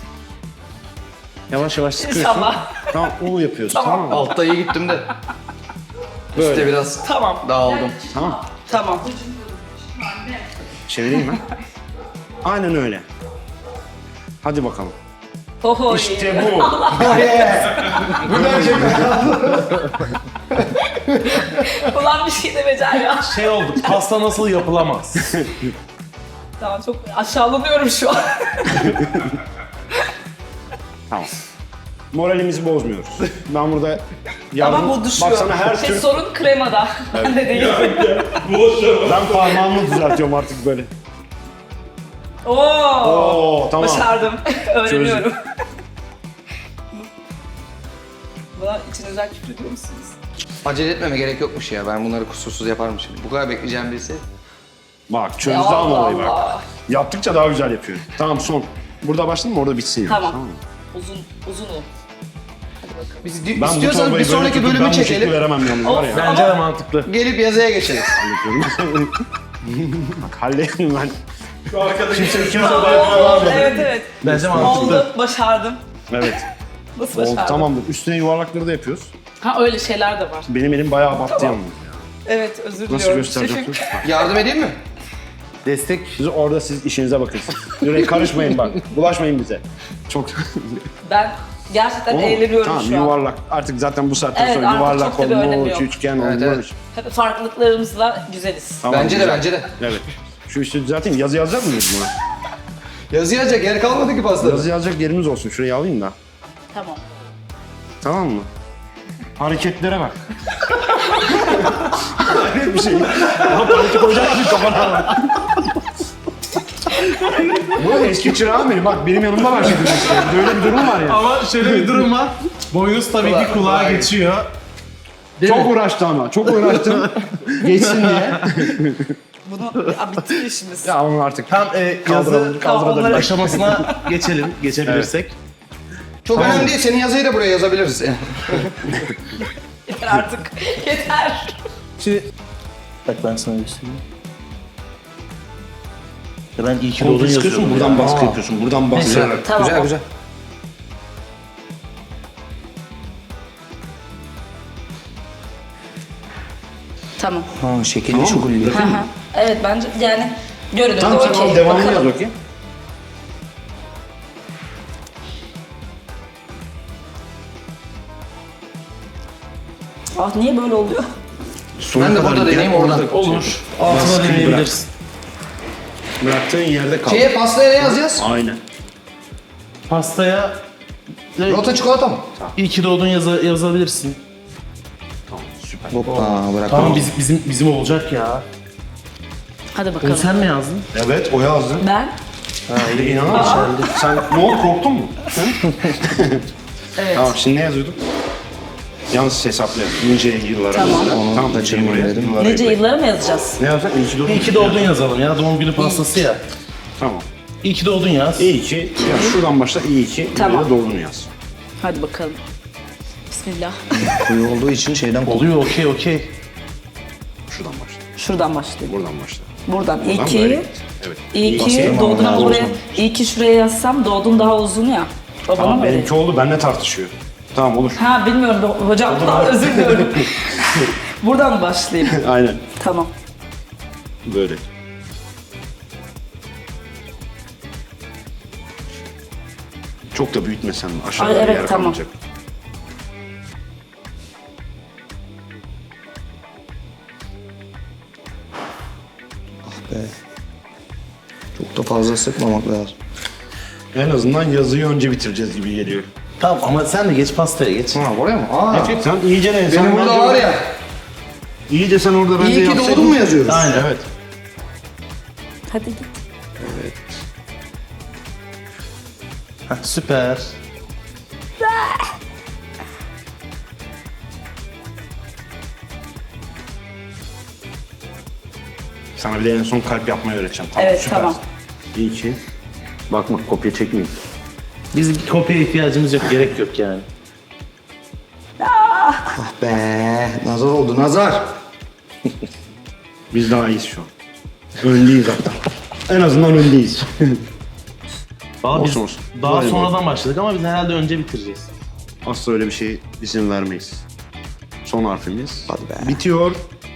Speaker 3: Yavaş yavaş sıkıyorsun.
Speaker 4: İnşallah.
Speaker 3: Tamam, onu yapıyorsun. Tamam mı?
Speaker 1: Altta iyi gittim de. Üstte biraz
Speaker 4: Tamam.
Speaker 1: dağıldım.
Speaker 3: Tamam.
Speaker 4: Tamam.
Speaker 3: Çevireyim ben. Aynen öyle. Hadi bakalım.
Speaker 4: Oho.
Speaker 3: İşte bu.
Speaker 1: Bu gerçekten.
Speaker 4: Ulan bir şey de becer ya.
Speaker 2: Şey oldu, pasta nasıl yapılamaz?
Speaker 4: Tamam çok aşağılanıyorum şu an.
Speaker 3: Tamam. Moralimizi bozmuyoruz. Ben burada yardım...
Speaker 4: Ama bu düşüyor.
Speaker 3: Baksana her tür...
Speaker 4: Sorun kremada. Ben de değil.
Speaker 3: Ben parmağımı düzeltiyorum artık böyle.
Speaker 4: Oo.
Speaker 3: Oo tamam.
Speaker 4: Başardım. Öğreniyorum. Buna içinizden küfür ediyor musunuz?
Speaker 1: Acele etmeme gerek yokmuş ya. Ben bunları kusursuz yaparmışım. Bu kadar bekleyeceğim birisi.
Speaker 3: Bak çözdü
Speaker 4: Allah
Speaker 3: ama olayı bak.
Speaker 4: Allah.
Speaker 3: Yaptıkça daha güzel yapıyor. Tamam son. Burada başladın mı orada bitsin yani.
Speaker 4: Tamam.
Speaker 3: mı?
Speaker 4: Uzun o.
Speaker 1: Biz
Speaker 3: Ben bu
Speaker 1: istiyorsanız
Speaker 3: torbayı
Speaker 1: bir
Speaker 3: böyle
Speaker 1: sonraki
Speaker 3: tutup
Speaker 1: bölümü
Speaker 3: ben bu şekli
Speaker 1: çekelim.
Speaker 3: veremem yalnız var ya.
Speaker 2: Bence de mantıklı.
Speaker 1: Gelip yazıya geçelim.
Speaker 3: Bak halledin ben.
Speaker 2: Şu arkadaş
Speaker 3: Kimse ikimize de
Speaker 4: Oldu.
Speaker 3: yapamam.
Speaker 4: Evet.
Speaker 2: Bence mantıklı.
Speaker 4: Oldu. Başardım.
Speaker 3: Evet.
Speaker 4: Nasıl
Speaker 3: Oldu
Speaker 4: başardım?
Speaker 3: tamamdır. Üstüne yuvarlakları da yapıyoruz.
Speaker 4: Ha öyle şeyler de var.
Speaker 3: Benim elim bayağı battı yalnız.
Speaker 4: Evet özür diliyorum.
Speaker 3: Nasıl göstereceğim?
Speaker 4: Şefim.
Speaker 1: Yardım edeyim mi?
Speaker 2: Destek.
Speaker 3: Siz işinize bakın. Yürek karışmayın bak. Bulaşmayın bize. Çok...
Speaker 4: Ben gerçekten
Speaker 3: Oğlum,
Speaker 4: eğleniyorum
Speaker 3: tamam,
Speaker 4: şu an.
Speaker 3: yuvarlak. Artık zaten bu saatten
Speaker 4: Evet,
Speaker 3: sonra
Speaker 4: artık
Speaker 3: yuvarlak
Speaker 4: çok da bir önemi
Speaker 3: olmuş,
Speaker 4: yok.
Speaker 3: üçgen
Speaker 1: Evet,
Speaker 3: olmuş.
Speaker 1: evet.
Speaker 4: Tabii farklılıklarımızla güzeliz.
Speaker 3: Tamam,
Speaker 1: Bence de,
Speaker 3: güzel.
Speaker 1: bence de.
Speaker 3: Evet. Şu üstü düzelteyim. Yazı yazacak mıyız buna?
Speaker 1: Yazı yazacak yer kalmadı ki pastada.
Speaker 3: Yazı yazacak yerimiz olsun. Şurayı alayım da.
Speaker 4: Tamam.
Speaker 3: Tamam mı? Hareketlere bak. Hayret bir şey. Lan parça koyacak mısın kafana? Bu eski çırağım benim. Bak benim yanımda var şimdi. Böyle bir durum var ya.
Speaker 2: Ama şöyle bir durum var. Boynuz tabii ki kulağa geçiyor. Değil
Speaker 3: Çok
Speaker 2: mi?
Speaker 3: uğraştı ama. Çok uğraştım. Geçsin diye.
Speaker 4: Bunu bitti işimiz.
Speaker 3: Ya onu artık
Speaker 2: Tam yazı
Speaker 3: kaldırabilir.
Speaker 2: aşamasına geçelim, geçebilirsek.
Speaker 1: Çok önemli değil. Senin yazıyı da buraya yazabiliriz.
Speaker 4: Yeter artık. Yeter.
Speaker 2: Şimdi... Bak ben sana göstereyim. Ya ben iyi ki
Speaker 3: Koltuğu
Speaker 2: doğdun
Speaker 3: sıkıyorsun,
Speaker 2: yazıyorum.
Speaker 3: buradan
Speaker 2: ya.
Speaker 3: baskı yapıyorsun. Buradan baskı.
Speaker 1: Güzel,
Speaker 4: Tamam.
Speaker 1: güzel, güzel.
Speaker 4: Tamam.
Speaker 1: Ha, şekilli şukulli.
Speaker 4: Hı hı. Evet bence yani görünürde
Speaker 3: Tamam sen
Speaker 4: okey.
Speaker 3: al devamını yaz
Speaker 4: Bakalım.
Speaker 3: bakayım.
Speaker 4: Ah niye böyle oluyor?
Speaker 1: Ben de burada deneyeyim oradan.
Speaker 2: Olur. Altına
Speaker 3: Baskıyı
Speaker 2: deneyebilirsin.
Speaker 3: Bıraktığın yerde kal.
Speaker 1: Şeye pastaya ne yazacağız?
Speaker 3: Aynen.
Speaker 2: Pastaya
Speaker 1: Rota çikolata mı?
Speaker 2: iyi ki doğdun yazabilirsin.
Speaker 3: Tamam süper.
Speaker 1: Hoppa bırak.
Speaker 2: Tamam bizim olacak ya.
Speaker 4: Hadi
Speaker 2: Onu
Speaker 4: bakalım.
Speaker 2: sen mi yazdın?
Speaker 3: Evet o yazdı.
Speaker 4: Ben?
Speaker 3: İnanamıyorum. Sen ne oldu korktun mu?
Speaker 4: Evet.
Speaker 3: Tamam şimdi ne yazıyorduk? Yalnız hesaplayalım. Nice yıllara.
Speaker 4: Tamam.
Speaker 3: Tamam da
Speaker 1: kaçırma
Speaker 3: buraya.
Speaker 1: dedim.
Speaker 3: Yıllara
Speaker 4: Nice
Speaker 3: ekle.
Speaker 4: yılları mı yazacağız?
Speaker 3: Ne yazacaksın? İyi ki doğdun.
Speaker 2: İyi ki doğdun yazalım ya. Doğum günü pastası ya.
Speaker 3: Tamam.
Speaker 2: İyi ki doğdun yaz.
Speaker 3: İyi ki. Ya şuradan başla iyi ki.
Speaker 4: Tamam.
Speaker 3: Tamam. Doğdun yaz.
Speaker 4: Hadi bakalım. Bismillah.
Speaker 1: Kuyu olduğu için şeyden
Speaker 2: Oluyor okey.
Speaker 3: Şuradan başla.
Speaker 4: Şuradan başlayayım.
Speaker 3: Buradan başla.
Speaker 4: Buradan. İyi
Speaker 3: Buradan böyle
Speaker 4: ki.
Speaker 3: git. Evet.
Speaker 4: İyi ki
Speaker 1: Basıyorum
Speaker 4: doğdun
Speaker 1: ama
Speaker 4: ama
Speaker 1: daha
Speaker 4: buraya.
Speaker 1: uzun.
Speaker 4: İyi ki şuraya yazsam doğdun daha uzun ya. O bana
Speaker 3: Tamam
Speaker 4: mı öyle?
Speaker 3: benimki oldu. Benimle tartışıyor. Tamam olur.
Speaker 4: Ha bilmiyorum hocam. Özür diliyorum. Buradan başlayayım.
Speaker 3: Aynen.
Speaker 4: Tamam.
Speaker 3: Böyle. Çok da büyütmesen aşağıda
Speaker 4: Ay,
Speaker 3: bir
Speaker 4: evet,
Speaker 3: yer
Speaker 4: tamam.
Speaker 3: kalmayacak.
Speaker 1: Çok da fazla sıkmamak lazım.
Speaker 3: En azından yazıyı önce bitireceğiz gibi geliyor.
Speaker 2: Tamam ama sen de geç pastaya geç.
Speaker 1: Ha oraya mı? Aa.
Speaker 3: Sen iyice ne?
Speaker 1: Benim burada var ya.
Speaker 3: İyice sen orada bence
Speaker 1: İyi ki
Speaker 3: yapsaydın.
Speaker 1: doğdun mu yazıyoruz?
Speaker 3: Aynen. Evet.
Speaker 4: Hadi git.
Speaker 2: Heh, süper.
Speaker 3: Sana bir de en son kalp yapmayı öğreteceğim. Tamam,
Speaker 4: Evet,
Speaker 3: süper.
Speaker 4: tamam.
Speaker 3: İyi ki. Bakma kopya çekmeyeyim.
Speaker 2: Bizim kopya ihtiyacımız yok, gerek yok yani.
Speaker 1: Ah be. Nazar oldu nazar.
Speaker 3: Biz daha iyiyiz şu an. Öndeyiz hatta. En azından öndeyiz.
Speaker 2: Valla biz
Speaker 3: Olsun, olsun.
Speaker 2: daha
Speaker 3: Böyle
Speaker 2: sonradan başladık ama biz herhalde önce bitireceğiz.
Speaker 3: Asla öyle bir şey izin vermeyiz. Son harfimiz.
Speaker 1: Hadi be.
Speaker 3: Bitiyor.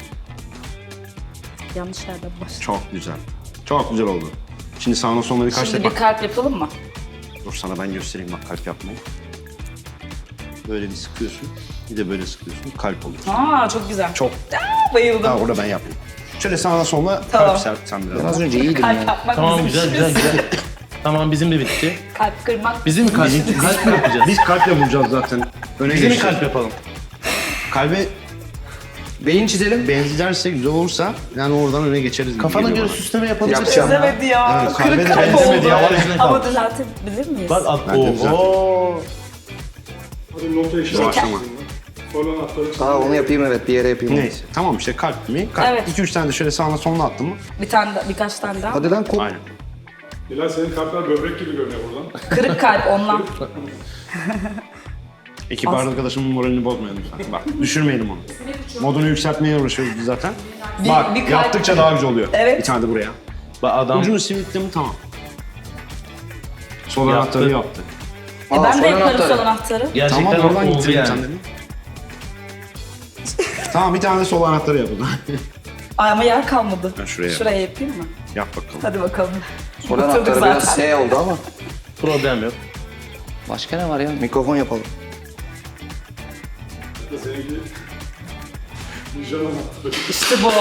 Speaker 4: Yanlış yerden başladım.
Speaker 3: Çok güzel. Çok güzel oldu. Şimdi sağına soluna birkaç
Speaker 4: Şimdi
Speaker 3: defa.
Speaker 4: bir kalp yapalım mı?
Speaker 3: Dur sana ben göstereyim bak kalp yapmayı. Böyle bir sıkıyorsun. Bir de böyle sıkıyorsun. Kalp oluyor.
Speaker 4: Aa çok güzel.
Speaker 3: Çok.
Speaker 4: Bayıldım.
Speaker 3: Daha orada ben yapayım. Şöyle sağına soluna
Speaker 4: Tamam.
Speaker 3: kalp serp sen biraz.
Speaker 1: Az önce iyiydim
Speaker 4: Kalp
Speaker 1: ya.
Speaker 4: yapmak
Speaker 2: Tamam
Speaker 4: bizim
Speaker 2: güzel
Speaker 4: işimiz.
Speaker 2: güzel güzel. Tamam bizim de bitti.
Speaker 4: Kalp kırmak.
Speaker 2: Bizim mi kalp mi yapacağız?
Speaker 3: Biz kalple vuracağız zaten. Öne
Speaker 2: Bizim mi
Speaker 3: geçeceğiz.
Speaker 2: kalp yapalım?
Speaker 3: Kalbe
Speaker 1: Beyin çizelim.
Speaker 3: benzerse güzel olursa yani oradan öne geçeriz. gibi
Speaker 2: Kafana
Speaker 3: geliyor
Speaker 2: göre
Speaker 3: bana.
Speaker 2: süsleme yapabilirsin.
Speaker 1: Yapacağım.
Speaker 4: Çözemedi ya.
Speaker 3: Evet, kalbe
Speaker 4: Kırık
Speaker 3: de
Speaker 4: kalp
Speaker 3: benzemedi
Speaker 4: oldu.
Speaker 3: ya.
Speaker 4: Ama düzeltebilir miyiz?
Speaker 2: Bak
Speaker 3: Ben de güzel.
Speaker 2: ooo.
Speaker 6: Hadi nota işi.
Speaker 3: Doğaçlama.
Speaker 6: Sol anahtarı çizdim.
Speaker 1: Aa onu yapayım evet bir yere yapayım.
Speaker 3: Neyse. Tamam işte kalp mi? Kalp.
Speaker 4: Evet.
Speaker 3: 2-3 tane de şöyle sağına soluna attın mı?
Speaker 4: Birkaç tane daha.
Speaker 1: Hadi lan kop.
Speaker 3: Aynen.
Speaker 6: Bilal senin kalpler böbrek gibi görünüyor buradan.
Speaker 4: Kırık kalp ondan.
Speaker 3: Ekip arkadaşımın moralini bozmayalım lütfen. Bak düşürmeyelim onu. Modunu yükseltmeye uğraşıyoruz biz zaten. Bak
Speaker 4: bir kalp-
Speaker 3: yaptıkça daha güzel oluyor.
Speaker 4: Evet.
Speaker 3: Bir tane de buraya.
Speaker 2: Bak adam
Speaker 3: Ucunu simitle mi tamam. Sol
Speaker 2: Yaptı.
Speaker 3: anahtarı yaptı.
Speaker 1: Aa,
Speaker 4: Ben de
Speaker 1: sol
Speaker 4: yaparım
Speaker 1: anahtarı.
Speaker 4: sol anahtarı.
Speaker 2: gerçekten
Speaker 3: Tamam oradan
Speaker 2: oldu
Speaker 3: gittirelim
Speaker 2: yani.
Speaker 3: sen dedin. Tamam bir tane de sol anahtarı yap o zaman.
Speaker 4: Ay ama yer kalmadı.
Speaker 3: Ben şuraya
Speaker 4: Şuraya yapayım mı?
Speaker 3: Yap bakalım.
Speaker 4: Hadi bakalım.
Speaker 1: Sol
Speaker 4: Oturduk
Speaker 1: anahtarı
Speaker 4: zaten.
Speaker 1: biraz S oldu ama.
Speaker 2: Problem yok.
Speaker 1: Başka ne var ya? Mikrofon yapalım.
Speaker 6: Seninki Nijan anahtarı.
Speaker 4: İşte bu.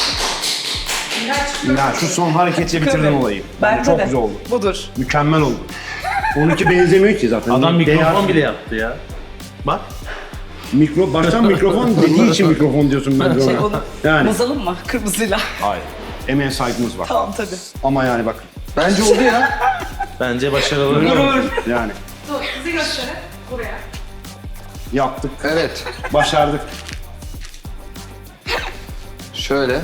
Speaker 3: Ya şu son hareketiyle bitirdin olayı.
Speaker 4: Bence
Speaker 3: Çok
Speaker 4: de.
Speaker 3: güzel oldu.
Speaker 4: Budur.
Speaker 3: Mükemmel oldu. Onunki benzemiyor ki zaten.
Speaker 2: Adam mikrofon
Speaker 3: Değer-
Speaker 2: bile yaptı ya. Bak.
Speaker 3: Baştan mikrofon dediği için mikrofon diyorsun ben de
Speaker 4: Şey
Speaker 3: ona.
Speaker 4: onu
Speaker 3: Yani.
Speaker 4: bozalım mı kırmızıyla?
Speaker 3: Hayır. Emeğe saygımız var.
Speaker 4: Tamam tabii.
Speaker 3: Ama yani bak
Speaker 1: Bence oldu ya.
Speaker 2: Bence başarılı.
Speaker 3: yani
Speaker 5: Dur, bizi gösterin. Buraya.
Speaker 3: yaptık,
Speaker 1: Evet.
Speaker 3: başardık.
Speaker 1: Şöyle.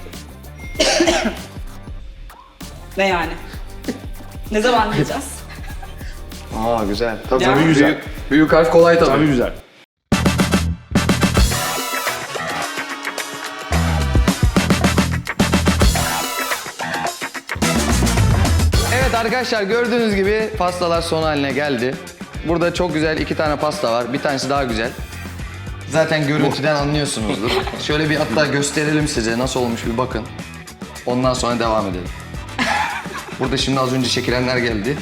Speaker 4: Ne yani? Ne zaman diyeceğiz?
Speaker 1: Aa güzel. Tabii,
Speaker 4: Yani-
Speaker 1: güzel. Büyük harf kolay tabii.
Speaker 3: Tabii güzel.
Speaker 1: Evet arkadaşlar gördüğünüz gibi pastalar son haline geldi. Burada çok güzel 2 tane pasta var. Bir tanesi daha güzel. Zaten görüntüden anlıyorsunuzdur. Şöyle bir hatta gösterelim size nasıl olmuş bir bakın. Ondan sonra devam edelim. Burada şimdi az önce çekilenler geldi.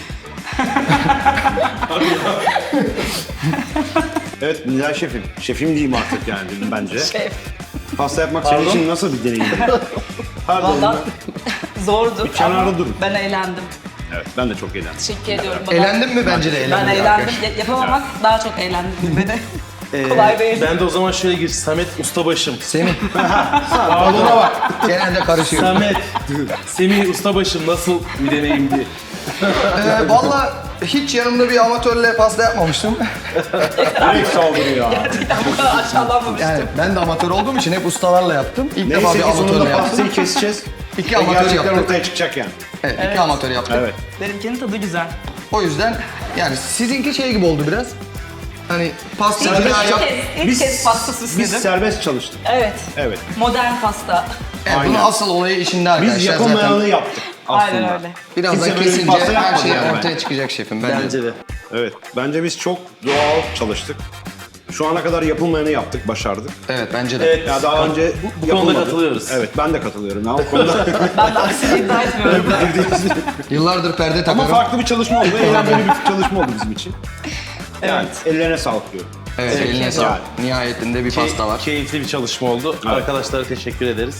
Speaker 3: Evet Nilay şefim. Şefim diyeyim artık yani bence.
Speaker 4: Şef.
Speaker 3: Pasta yapmak senin için nasıl bir deneyimdi? Her
Speaker 4: Valla
Speaker 3: durumda.
Speaker 4: zordu
Speaker 3: kenarda
Speaker 4: ama
Speaker 3: durun.
Speaker 4: ben eğlendim.
Speaker 3: Evet ben de çok eğlendim.
Speaker 4: Teşekkür ediyorum. Bana.
Speaker 1: Eğlendin mi? Bence de
Speaker 4: Ben
Speaker 1: eğlendim.
Speaker 4: eğlendim. Yapamamak daha çok eğlendim beni. Kolay değil.
Speaker 2: Ben de o zaman şöyle gir. Samet Ustabaşım.
Speaker 1: Semih. Pardona bak. Genelde karışıyor.
Speaker 2: Samet. Semih Ustabaşım nasıl bir deneyimdi?
Speaker 1: Valla hiç yanımda bir amatörle pasta yapmamıştım.
Speaker 3: Direkt saldırıyor ya.
Speaker 4: Bu kadar aşağılanmamıştım.
Speaker 1: Yani ben de amatör olduğum için hep ustalarla yaptım. İlk defa
Speaker 3: Neyse
Speaker 1: bir
Speaker 3: ki
Speaker 1: amatörle
Speaker 3: sonunda
Speaker 1: yaptım.
Speaker 3: pastayı keseceğiz.
Speaker 1: İki
Speaker 3: Ve
Speaker 1: amatör
Speaker 3: gerçekten
Speaker 1: yaptık.
Speaker 3: ortaya çıkacak yani.
Speaker 1: Evet, iki amatör yaptık.
Speaker 3: Evet.
Speaker 4: Benimkinin tadı güzel.
Speaker 1: O yüzden yani sizinki şey gibi oldu biraz. Hani pasta
Speaker 4: İlk,
Speaker 1: daha yap.
Speaker 4: ilk kez pasta
Speaker 3: Biz
Speaker 4: süsledim.
Speaker 3: serbest çalıştık.
Speaker 4: Evet.
Speaker 3: Evet.
Speaker 4: Modern pasta.
Speaker 1: Evet, bunun
Speaker 3: Aynen.
Speaker 1: asıl olayı işinde arkadaşlar
Speaker 3: Biz
Speaker 1: zaten.
Speaker 3: yapamayanı yaptık aslında.
Speaker 4: Aynen öyle.
Speaker 1: Birazdan
Speaker 3: Kimse böyle bir
Speaker 1: kesince
Speaker 3: pasta
Speaker 1: her
Speaker 3: yapmadı
Speaker 1: şey
Speaker 3: yani
Speaker 1: ortaya
Speaker 3: bence.
Speaker 1: çıkacak şefim bence.
Speaker 2: Bence de.
Speaker 3: Evet. Bence biz çok doğal çalıştık. Şu ana kadar yapılmayanı yaptık, başardık.
Speaker 1: Evet bence de.
Speaker 2: Evet.
Speaker 3: Ya daha önce
Speaker 2: bu konuda
Speaker 3: yapılmadı.
Speaker 2: katılıyoruz.
Speaker 3: Evet, ben de katılıyorum. Ya, o konuda
Speaker 4: Ben de aksini iddia etmiyorum.
Speaker 1: Yıllardır perde
Speaker 3: ama
Speaker 1: takıyorum.
Speaker 3: farklı bir çalışma oldu. Eğlenceli bir çalışma oldu bizim için. Yani ellerine sağlık diyorum.
Speaker 1: Evet, eline
Speaker 3: Yani.
Speaker 1: sağlık. Nihayetinde bir pasta var.
Speaker 2: Keyifli bir çalışma oldu. Arkadaşlara teşekkür ederiz.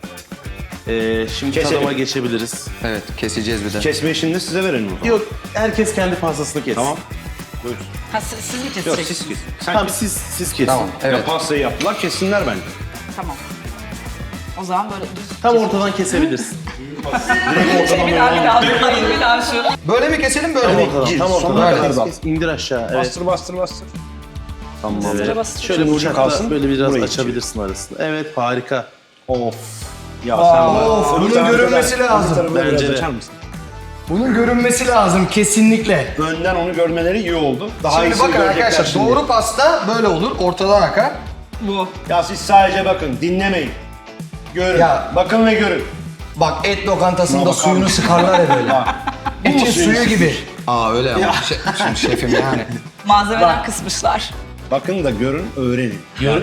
Speaker 2: Şimdi
Speaker 3: Keselim.
Speaker 2: tadıma geçebiliriz.
Speaker 1: Evet, keseceğiz bir de.
Speaker 3: Kesme işini de size verelim o zaman.
Speaker 2: Yok, herkes kendi pastasını kessin.
Speaker 3: Tamam. Buyurun.
Speaker 4: Ha, siz mi
Speaker 3: Yok
Speaker 4: keseceksiniz?
Speaker 3: siz kesin. Sen
Speaker 2: Tamam
Speaker 3: kes.
Speaker 2: siz kesin.
Speaker 1: Tamam, evet.
Speaker 3: Ya pastayı yaptılar, kessinler bence.
Speaker 4: Tamam. O zaman böyle düz.
Speaker 2: Tam ortadan kesebilirsin.
Speaker 4: Bir daha bir daha şu.
Speaker 1: Böyle mi keselim, böyle mi?
Speaker 2: Ortadan, tam
Speaker 3: sonuna
Speaker 2: ortadan.
Speaker 3: kadar
Speaker 2: Kes,
Speaker 3: bak.
Speaker 2: kes, İndir aşağı. Evet.
Speaker 3: Bastır bastır bastır. Tamam.
Speaker 2: Evet.
Speaker 4: bastır.
Speaker 2: Şöyle
Speaker 3: Ucu
Speaker 2: bıçakla
Speaker 3: kalsın,
Speaker 2: böyle biraz
Speaker 3: burayı
Speaker 2: açabilirsin arasını. Evet harika.
Speaker 3: Of. Ya sen
Speaker 1: of,
Speaker 3: öbür
Speaker 1: bunun
Speaker 3: tarafa
Speaker 1: görünmesi
Speaker 3: da-
Speaker 1: lazım.
Speaker 3: öbür tarafa da
Speaker 2: Bence
Speaker 3: biraz
Speaker 2: de.
Speaker 3: açar mısın?
Speaker 1: Bunun görünmesi lazım kesinlikle.
Speaker 3: Önden onu görmeleri iyi oldu. Daha
Speaker 1: Şimdi
Speaker 3: iyisini
Speaker 1: bakın
Speaker 3: görecekler
Speaker 1: arkadaşlar,
Speaker 3: şimdi.
Speaker 1: doğru pasta böyle olur, ortadan akar.
Speaker 4: Bu.
Speaker 3: Ya siz sadece bakın, dinlemeyin. Görün.
Speaker 1: Ya.
Speaker 3: Bakın ve görün.
Speaker 1: Bak et lokantasında
Speaker 3: Buna
Speaker 1: suyunu
Speaker 3: bakar
Speaker 1: sıkarlar ya böyle.
Speaker 3: Bu mu
Speaker 1: Etin
Speaker 3: suyun
Speaker 1: suyu gibi. Aa öyle ama. Şimdi şefim yani.
Speaker 4: Malzemeden kısmışlar.
Speaker 3: Bakın da görün, öğrenin.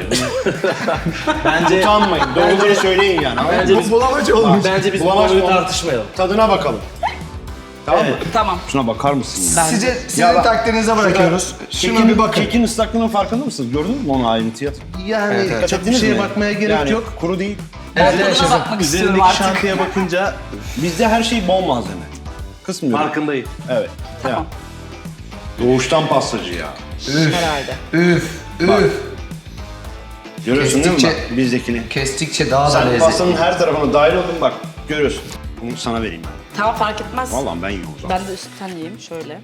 Speaker 2: Bence
Speaker 3: Utanmayın, doğruları söyleyin yani.
Speaker 2: bence biz
Speaker 1: Bulamacı olmuş.
Speaker 2: bence biz bu
Speaker 3: Bulamaç
Speaker 2: konuyu
Speaker 3: mı?
Speaker 2: tartışmayalım.
Speaker 3: Tadına bakalım. Tamam mı?
Speaker 4: Tamam.
Speaker 3: Şuna bakar mısın ya?
Speaker 1: Sizin
Speaker 3: Ya bak,
Speaker 1: takdirinize bırakıyoruz. Şuna bir bakın.
Speaker 3: Kekin ıslaklığının farkında mısınız? Gördün mü onu ayrıntıya?
Speaker 2: Yani
Speaker 1: Evet,
Speaker 2: çok bir şeye bakmaya gerek
Speaker 3: yani,
Speaker 2: yok.
Speaker 3: Kuru değil.
Speaker 1: Evet,
Speaker 4: Tadına
Speaker 1: şefim.
Speaker 4: bakmak istiyorum
Speaker 2: Üzerindeki
Speaker 4: artık.
Speaker 2: şantıya bakınca
Speaker 3: Bizde her şey bol malzeme. Kısmıyorum.
Speaker 2: farkındayım.
Speaker 3: Evet.
Speaker 4: Tamam.
Speaker 3: Ya. Doğuştan pastacı ya.
Speaker 4: Herhalde.
Speaker 1: Üf, üf.
Speaker 3: Görüyorsun değil mi
Speaker 1: Kestikçe-
Speaker 3: bak bizdekini?
Speaker 1: Kestikçe daha da
Speaker 3: Sen
Speaker 1: lezzetli.
Speaker 3: pastanın her tarafına dahil oldun bak. Görüyorsun. Bunu sana vereyim ben.
Speaker 4: Tamam fark etmez.
Speaker 3: Vallahi ben yiyorum o zaman.
Speaker 4: Ben de üstten yiyeyim şöyle.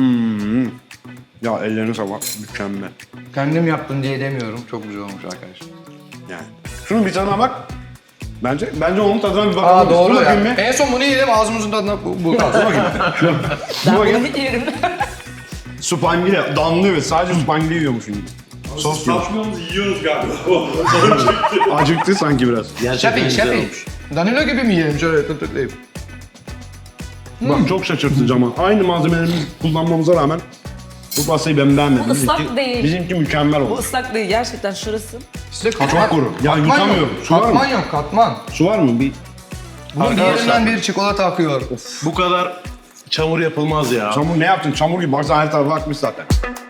Speaker 3: Ya ellerine sağlık. Mükemmel.
Speaker 1: Kendim yaptım diye demiyorum. Çok güzel olmuş arkadaşlar.
Speaker 3: Yani. Şunun bir tadına bak. Bence onun tadına bir bakalım.
Speaker 1: Aa doğru
Speaker 3: Dur
Speaker 1: ya.
Speaker 3: bakayım bir.
Speaker 1: En son bunu yedim ağzımızın tadına bu kaldı.
Speaker 4: Ben
Speaker 3: bakayım.
Speaker 4: bunu yerim.
Speaker 3: Supangile damlıyor. Sadece supangile yiyormuşum gibi. Sos yok.
Speaker 6: Saçmıyoruz, yiyoruz galiba.
Speaker 3: Acıktı sanki biraz.
Speaker 2: Gerçekten güzel
Speaker 1: Şefi.
Speaker 2: olmuş.
Speaker 1: Danilo gibi mi yiyelim şöyle tıklayıp?
Speaker 3: Bak çok şaşırtıcı ama aynı malzemelerimizi kullanmamıza rağmen bu pastayı ben beğenmedim.
Speaker 4: Bu ıslak değil.
Speaker 3: Bizimki mükemmel
Speaker 4: Bu
Speaker 3: oldu.
Speaker 4: ıslak değil gerçekten şurası.
Speaker 1: Size katman,
Speaker 3: Çok kuru. Ya
Speaker 1: katman
Speaker 3: yutamıyorum.
Speaker 1: yok.
Speaker 3: Su var mı?
Speaker 1: Katman yok, katman.
Speaker 3: Su var mı? Bir
Speaker 1: Bunun bir
Speaker 2: Arkadaşlar.
Speaker 1: yerinden bir çikolata akıyor.
Speaker 2: Bu kadar çamur yapılmaz ya.
Speaker 3: çamur ne yaptın? Çamur gibi. Baksana her tarafa akmış zaten.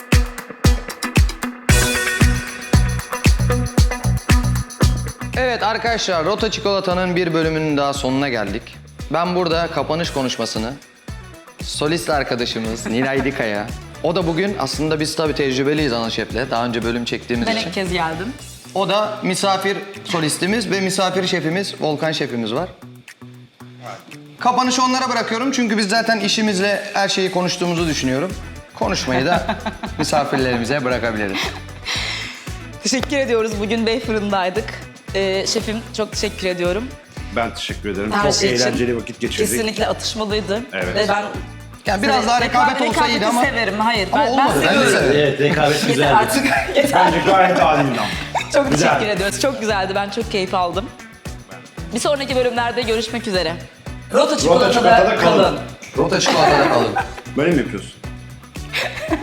Speaker 1: Evet arkadaşlar, Rota Çikolata'nın bir bölümünün daha sonuna geldik. Ben burada kapanış konuşmasını solist arkadaşımız Niray Dikaya, o da bugün aslında biz tabii tecrübeliyiz ana şefle. Daha önce bölüm çektiğimiz
Speaker 4: Ben
Speaker 1: için.
Speaker 4: ilk kez geldim.
Speaker 1: O da misafir solistimiz ve misafir şefimiz Volkan şefimiz var. Kapanışı onlara bırakıyorum çünkü biz zaten işimizle her şeyi konuştuğumuzu düşünüyorum. Konuşmayı da misafirlerimize bırakabiliriz.
Speaker 4: Teşekkür ediyoruz. Bugün Bey Fırın'daydık. Şefim çok teşekkür ediyorum.
Speaker 3: Ben teşekkür ederim.
Speaker 4: Her
Speaker 3: Çok
Speaker 4: şey için.
Speaker 3: eğlenceli vakit geçirdik.
Speaker 4: Kesinlikle atışmalıydı.
Speaker 3: Evet.
Speaker 4: Ve ben
Speaker 1: Yani biraz daha rekabet olsaydı ama...
Speaker 4: severim. Hayır.
Speaker 1: Ama
Speaker 4: Ben
Speaker 1: olmadı. Ben de
Speaker 4: seviyorum.
Speaker 1: severim.
Speaker 2: Evet, rekabet
Speaker 4: Yeter
Speaker 2: güzeldi.
Speaker 4: artık. Yeter.
Speaker 3: Bence gayet adildi ama.
Speaker 4: Çok
Speaker 3: Güzel.
Speaker 4: teşekkür ediyoruz. Çok güzeldi. Ben çok keyif aldım. Bir sonraki bölümlerde görüşmek üzere. Rota
Speaker 3: Çikolatada
Speaker 4: Çikolata'da
Speaker 3: kalın.
Speaker 4: kalın.
Speaker 1: Rota Çikolata'da kalın.
Speaker 3: Böyle mi yapıyorsun?